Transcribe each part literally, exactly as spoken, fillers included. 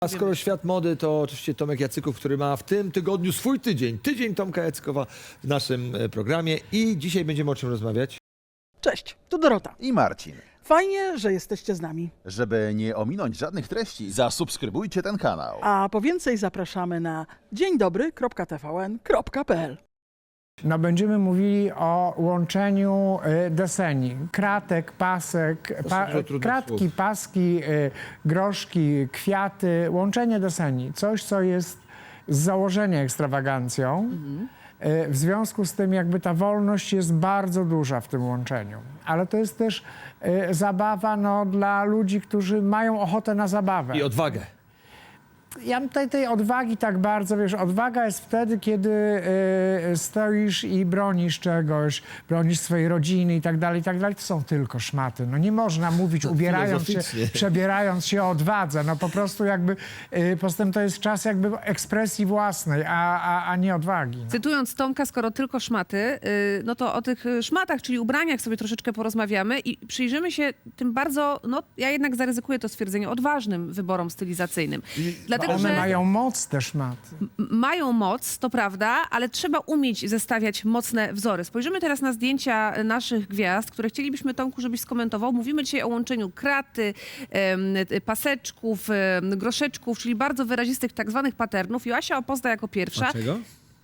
A skoro świat mody, to oczywiście Tomek Jacyków, który ma w tym tygodniu swój tydzień. Tydzień Tomka Jacykowa w naszym e, programie i dzisiaj będziemy o czym rozmawiać. Cześć, tu Dorota. I Marcin. Fajnie, że jesteście z nami. Żeby nie ominąć żadnych treści, zasubskrybujcie ten kanał. A po więcej zapraszamy na dzień dobry kropka t v n kropka p l. No, będziemy mówili o łączeniu y, deseni. Kratek, pasek, pa, dużo trudnych kratki, słów. paski, y, groszki, kwiaty. Łączenie deseni. Coś, co jest z założenia ekstrawagancją. Y, w związku z tym jakby ta wolność jest bardzo duża w tym łączeniu. Ale to jest też y, zabawa no, dla ludzi, którzy mają ochotę na zabawę. I odwagę. Ja mam tej, tej odwagi tak bardzo, wiesz, odwaga jest wtedy, kiedy y, stoisz i bronisz czegoś, bronisz swojej rodziny i tak dalej, i tak dalej. To są tylko szmaty. No nie można mówić, ubierając się, filozoficznie. przebierając się o odwadze. No po prostu jakby, y, poza tym to jest czas jakby ekspresji własnej, a, a, a nie odwagi. No. Cytując Tomka, skoro tylko szmaty, yy, no to o tych szmatach, czyli ubraniach sobie troszeczkę porozmawiamy i przyjrzymy się tym bardzo, no ja jednak zaryzykuję to stwierdzenie, odważnym wyborom stylizacyjnym. Dlatego, One że mają moc te szmaty. m- mają moc, to prawda, ale trzeba umieć zestawiać mocne wzory. Spojrzymy teraz na zdjęcia naszych gwiazd, które chcielibyśmy, Tomku, żebyś skomentował. Mówimy dzisiaj o łączeniu kraty, em, paseczków, em, groszeczków, czyli bardzo wyrazistych tak zwanych patternów. Joasia opozna jako pierwsza. Dlaczego?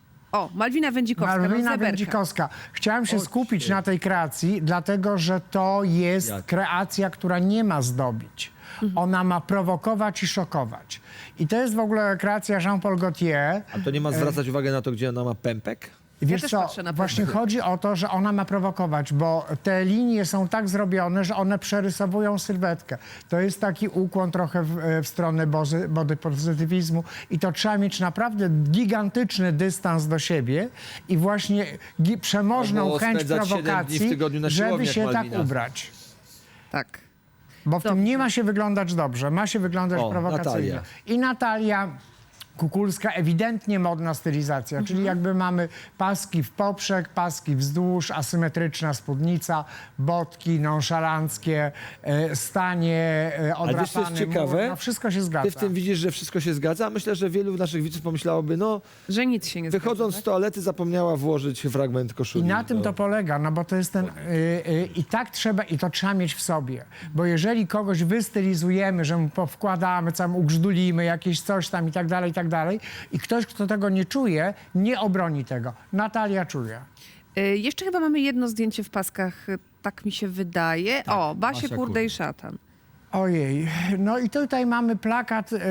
O, Malwina Wędzikowska. Malwina Rozleberka. Wędzikowska. Chciałem się O, skupić cię. na tej kreacji, dlatego że to jest Jak? kreacja, która nie ma zdobić. Ona ma prowokować i szokować. I to jest w ogóle kreacja Jean-Paul Gaultier. A to nie ma zwracać uwagi na to, gdzie ona ma pępek? Wiesz też co, patrzę na właśnie pewno. chodzi o to, że ona ma prowokować, bo te linie są tak zrobione, że one przerysowują sylwetkę. To jest taki ukłon trochę w, w stronę bozy, body pozytywizmu i to trzeba mieć naprawdę gigantyczny dystans do siebie i właśnie gi- przemożną Albo chęć spędzać siedem dni w prowokacji, tygodniu na żeby siłowniach, się Malwina. tak ubrać. Tak. Bo w tym Dobrze. nie ma się wyglądać dobrze, ma się wyglądać O, prowokacyjnie. Natalia. I Natalia Kukulska, ewidentnie modna stylizacja, czyli jakby mamy paski w poprzek, paski wzdłuż, asymetryczna spódnica, botki nonszalanckie, e, stanie, e, Ale wiesz, co jest odrapany ciekawe? mur, no wszystko się zgadza. Ty w tym widzisz, że wszystko się zgadza? Myślę, że wielu naszych widzów pomyślałoby, no Że nic się nie wychodząc z zgadza, toalety zapomniała włożyć fragment I koszuli. na tym No. to polega, no bo to jest ten, y, y, i tak trzeba, i to trzeba mieć w sobie, bo jeżeli kogoś wystylizujemy, że mu powkładamy, tam ugrzdulimy jakieś coś tam i tak dalej, i tak dalej, i ktoś, kto tego nie czuje, nie obroni tego. Natalia czuje. Y, Jeszcze chyba mamy jedno zdjęcie w paskach, y, tak mi się wydaje. O, Basie Basia Kurde Kurde. i Szatan. Ojej, no i tutaj mamy plakat y, y,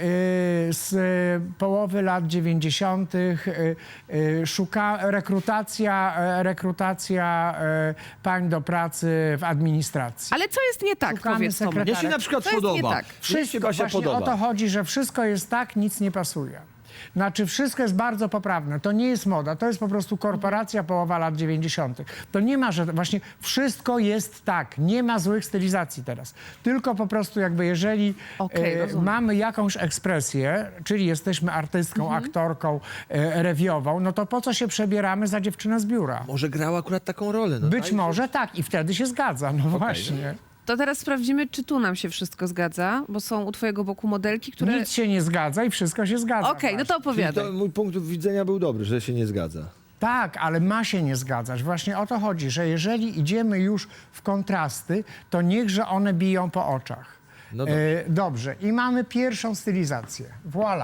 z y, połowy lat dziewięćdziesiątych. Y, y, szuka, rekrutacja, y, rekrutacja y, pań do pracy w administracji. Ale co jest nie tak, Szukamy powiedz Tomek? sekretarza. Mnie się na przykład To jest nie podoba. tak. Mnie się Wszystko, Basia właśnie podoba. o to chodzi, że wszystko jest tak, nic nie pasuje. Znaczy wszystko jest bardzo poprawne. To nie jest moda, to jest po prostu korporacja połowa lat dziewięćdziesiątych. To nie ma, że właśnie wszystko jest tak. Nie ma złych stylizacji teraz. Tylko po prostu jakby jeżeli Okej, e, rozumiem. mamy jakąś ekspresję, czyli jesteśmy artystką, Mhm. aktorką, e, rewiową, no to po co się przebieramy za dziewczynę z biura? Może grała akurat taką rolę. No, Być daj- może tak i wtedy się zgadza. No właśnie. To teraz sprawdzimy, czy tu nam się wszystko zgadza, bo są u twojego boku modelki, które... Nic się nie zgadza i wszystko się zgadza. Okej, no to Czyli opowiadaj. to mój punkt widzenia był dobry, że się nie zgadza. Tak, ale ma się nie zgadzać. Właśnie o to chodzi, że jeżeli idziemy już w kontrasty, to niechże one biją po oczach. No dobrze. E, dobrze. I mamy pierwszą stylizację. Voilà.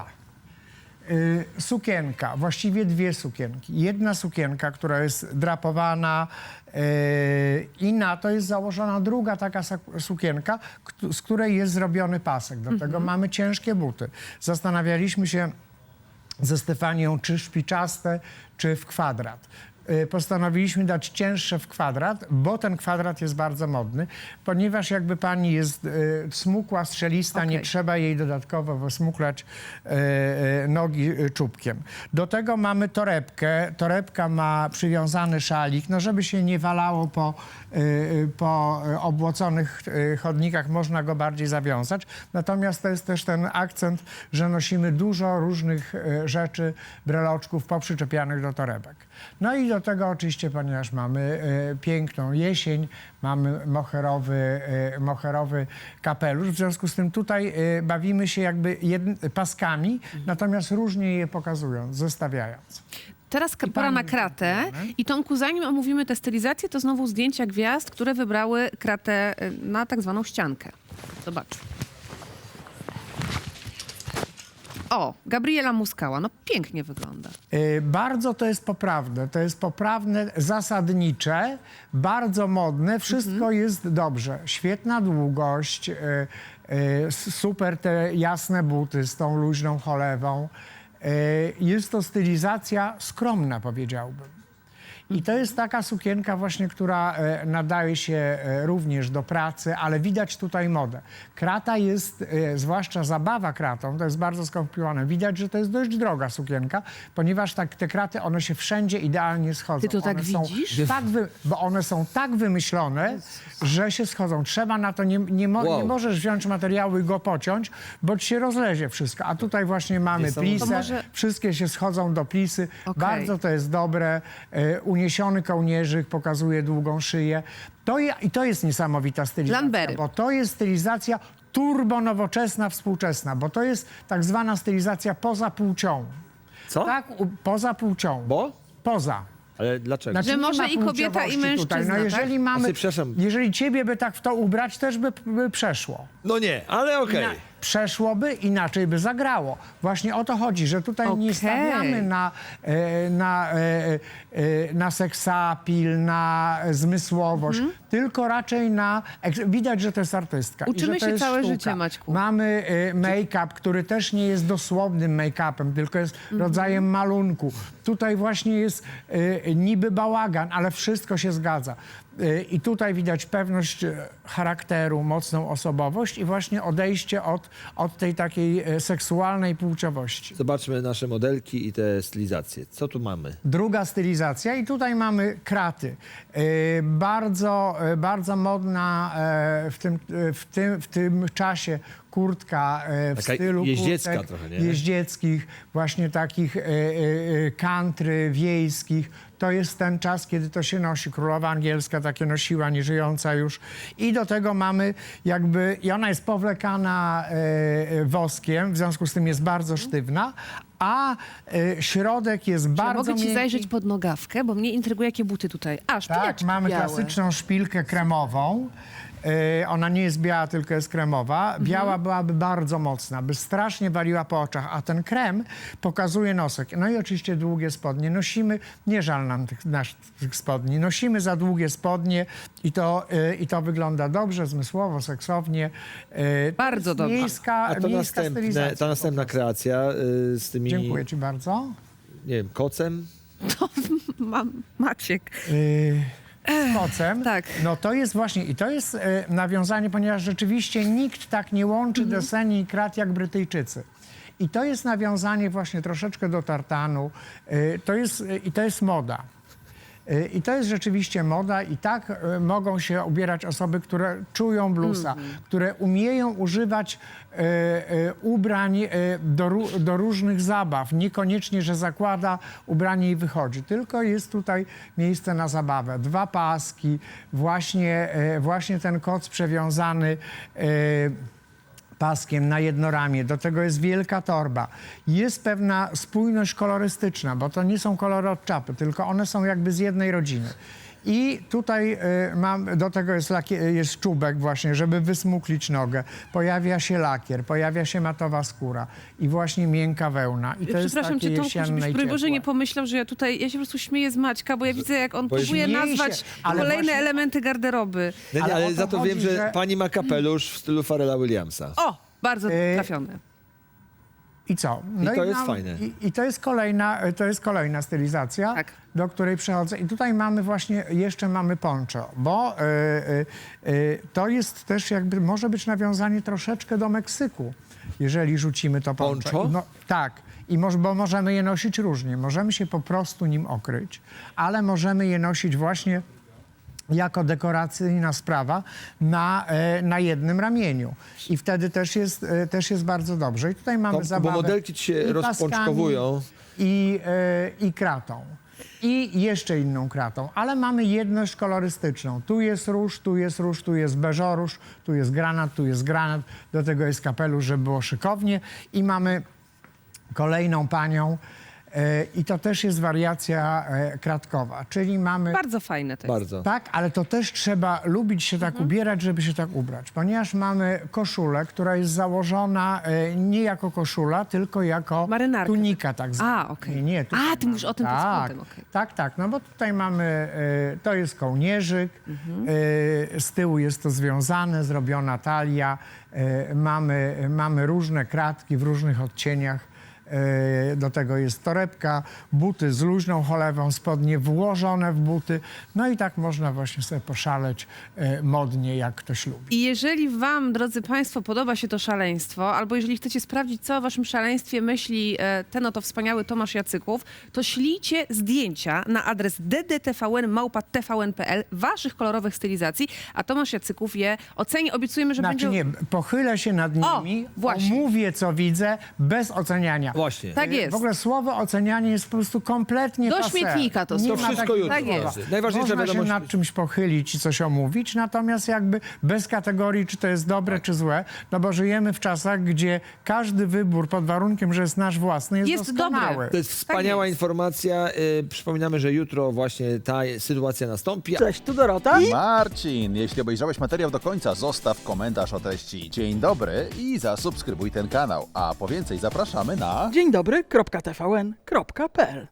Y, sukienka, właściwie dwie sukienki. Jedna sukienka, która jest drapowana y, i na to jest założona druga taka sak- sukienka, kt- z której jest zrobiony pasek. Do tego mamy ciężkie buty. Zastanawialiśmy się ze Stefanią, czy szpiczaste, czy w kwadrat. Y, Postanowiliśmy dać cięższe w kwadrat, bo ten kwadrat jest bardzo modny, ponieważ jakby pani jest y, smukła, strzelista, nie Okej. trzeba jej dodatkowo wysmuklać y, y, nogi y, czubkiem. Do tego mamy torebkę. Torebka ma przywiązany szalik, no żeby się nie walało po, y, y, po y, obłoconych y, chodnikach, można go bardziej zawiązać. Natomiast to jest też ten akcent, że nosimy dużo różnych y, rzeczy, breloczków poprzyczepianych do torebek. No i do tego oczywiście, ponieważ mamy e, piękną jesień, mamy moherowy, e, moherowy kapelusz, w związku z tym tutaj e, bawimy się jakby jedn- paskami, natomiast różnie je pokazując, zestawiając. Teraz I pora na pani- kratę. I Tomku, zanim omówimy tę stylizację, to znowu zdjęcia gwiazd, które wybrały kratę y, na tak zwaną ściankę. Zobacz. O, Gabriela Muskała. No pięknie wygląda. E, Bardzo to jest poprawne, to jest poprawne, zasadnicze, bardzo modne, wszystko jest dobrze. Świetna długość, e, e, s- super te jasne buty z tą luźną cholewą. E, Jest to stylizacja skromna, powiedziałbym. I to jest taka sukienka właśnie, która e, nadaje się e, również do pracy, ale widać tutaj modę. Krata jest, e, zwłaszcza zabawa kratą, to jest bardzo skomplikowane. Widać, że to jest dość droga sukienka, ponieważ tak, te kraty, one się wszędzie idealnie schodzą. Ty to tak one są widzisz? Tak wy, bo one są tak wymyślone, że się schodzą. Trzeba na to, nie, nie, mo, Wow. nie możesz wziąć materiału i go pociąć, bo ci się rozlezie wszystko. A tutaj właśnie mamy Niesamowite. plisę, To może- wszystkie się schodzą do plisy. Okej. Bardzo to jest dobre. E, uniesiony kołnierzyk pokazuje długą szyję. To je, I to jest niesamowita stylizacja, Lambery. bo to jest stylizacja turbo nowoczesna, współczesna, bo to jest tak zwana stylizacja poza płcią. Co? Tak, u, poza płcią. Bo? Poza. Ale dlaczego? Znaczy, Że nie może ma i kobieta, i płciowości mężczyzna, Tutaj. No tak? jeżeli mamy, Znaczy, przepraszam. jeżeli ciebie by tak w to ubrać, też by, by przeszło. No nie, ale okej. Na, przeszłoby, inaczej by zagrało. Właśnie o to chodzi, że tutaj nie Okej. stawiamy na, e, na, e, e, na seksapil, na zmysłowość, tylko raczej na... eks- Widać, że to jest artystka. i Mhm. Uczymy że to się jest całe sztuka. życie, Maćku. Mamy e, make-up, który też nie jest dosłownym make-upem, tylko jest Mhm. rodzajem malunku. Tutaj właśnie jest e, niby bałagan, ale wszystko się zgadza. E, I tutaj widać pewność e, charakteru, mocną osobowość i właśnie odejście od, od tej takiej e, seksualnej płciowości. Zobaczmy nasze modelki i te stylizacje. Co tu mamy? Druga stylizacja i tutaj mamy kraty. E, bardzo, e, bardzo modna e, w, tym, e, w, tym, w tym czasie kurtka e, w Taka stylu jeździecka kurtek trochę, nie? jeździeckich, właśnie takich e, e, e, country wiejskich. To jest ten czas, kiedy to się nosi. Królowa angielska takie nosiła, nieżyjąca już. I do tego mamy jakby, i ona jest powlekana e, e, woskiem, w związku z tym jest bardzo sztywna, a e, środek jest Czy bardzo mogę ci miękki. zajrzeć pod nogawkę, bo mnie intryguje, jakie buty tutaj. A, Tak, szpileczki mamy białe. klasyczną szpilkę kremową. E, ona nie jest biała, tylko jest kremowa. Mhm. Biała byłaby bardzo mocna, by strasznie waliła po oczach, a ten krem pokazuje nosek. No i oczywiście długie spodnie. Nosimy, nie żal nam tych naszych spodni, nosimy za długie spodnie i to, e, i to wygląda dobrze, zmysłowo, seksownie. E, to Bardzo jest dobrze. Miejska, A to miejska następne, stylizacja ta następna po prostu. kreacja y, z tymi, Dziękuję ci bardzo. nie wiem, kocem. Mam Maciek. Yy, z kocem. tak. No to jest właśnie, i to jest e, nawiązanie, ponieważ rzeczywiście nikt tak nie łączy Mhm. deseni i krat jak Brytyjczycy. I to jest nawiązanie właśnie troszeczkę do tartanu. E, to jest, e, I to jest moda. E, I to jest rzeczywiście moda i tak e, mogą się ubierać osoby, które czują bluesa, Mhm. które umieją używać e, e, ubrań e, do, ró- do różnych zabaw. Niekoniecznie, że zakłada ubranie i wychodzi, tylko jest tutaj miejsce na zabawę. Dwa paski, właśnie, e, właśnie ten koc przewiązany e, paskiem na jedno ramię, do tego jest wielka torba. Jest pewna spójność kolorystyczna, bo to nie są kolory od czapy, tylko one są jakby z jednej rodziny. I tutaj y, mam, do tego jest, lakier, jest czubek właśnie, żeby wysmuklić nogę. Pojawia się lakier, pojawia się matowa skóra i właśnie miękka wełna. I to jest Przepraszam takie cię, Tomku, jesienne żebyś i broń Boże ciepłe. nie pomyślał, że ja tutaj, ja się po prostu śmieję z Maćka, bo ja widzę, jak on Bo jest- próbuje Śmieje się, nazwać ale kolejne właśnie- elementy garderoby. Nie, nie, Ale ale o to za to chodzi, wiem, że, że- pani ma kapelusz w stylu Pharrella Williamsa. O, bardzo Y, trafione. I co? I to jest fajne. I, I to jest kolejna, to jest kolejna stylizacja, Tak. do której przechodzę. I tutaj mamy właśnie, jeszcze mamy poncho, bo y, y, y, to jest też jakby, może być nawiązanie troszeczkę do Meksyku, jeżeli rzucimy to poncho. Poncho? No, tak. I moż, bo możemy je nosić różnie. Możemy się po prostu nim okryć, ale możemy je nosić właśnie jako dekoracyjna sprawa na, e, na jednym ramieniu. I wtedy też jest, e, też jest bardzo dobrze. I tutaj mamy Tomku, bo zabawę modelki ci się i rozpączkowują. paskami, I, e, i kratą. i jeszcze inną kratą, ale mamy jedność kolorystyczną. Tu jest róż, tu jest róż, tu jest beżoróż, tu jest granat, tu jest granat, do tego jest kapelusz, żeby było szykownie i mamy kolejną panią e, i to też jest wariacja e, kratkowa, czyli mamy... Bardzo fajne to jest. Bardzo. Tak, ale to też trzeba lubić się tak ubierać, żeby się tak ubrać, ponieważ mamy koszulę, która jest założona e, nie jako koszula, tylko jako Marynarka. tunika tak zwana. A, okej. Nie, nie, tutaj A, ty mówisz o tym pod tak, spodem, okej. tak, tak, no bo tutaj mamy, e, to jest kołnierzyk, e, z tyłu jest to związane, zrobiona talia, e, mamy, mamy różne kratki w różnych odcieniach. E, Do tego jest torebka, buty z luźną cholewą, spodnie włożone w buty. No i tak można właśnie sobie poszaleć e, modnie, jak ktoś lubi. I jeżeli wam, drodzy państwo, podoba się to szaleństwo, albo jeżeli chcecie sprawdzić, co o waszym szaleństwie myśli e, ten oto wspaniały Tomasz Jacyków, to ślijcie zdjęcia na adres d d t v n małpa t v n kropka p l waszych kolorowych stylizacji, a Tomasz Jacyków je oceni. Obiecujemy, że Znaczy będzie... nie, pochylę się nad nimi, właśnie. omówię, co widzę, bez oceniania. Właśnie. Tak jest. W ogóle słowo ocenianie jest po prostu kompletnie Do passé. śmietnika to Nie słowo. ma To wszystko takiego jutro. Tak jest. słowa. Najważniejsza Można się wiadomość- nad czymś pochylić i coś omówić, natomiast jakby bez kategorii, czy to jest dobre, czy złe, no bo żyjemy w czasach, gdzie każdy wybór pod warunkiem, że jest nasz własny, jest, Jest doskonały. dobry. To jest wspaniała jest. informacja. Y, przypominamy, że jutro właśnie ta sytuacja nastąpi. Cześć, tu Dorota. Marcin, jeśli obejrzałeś materiał do końca, zostaw komentarz o treści dzień dobry i zasubskrybuj ten kanał. A po więcej zapraszamy na... Dzień dobry, kropka t v n kropka p l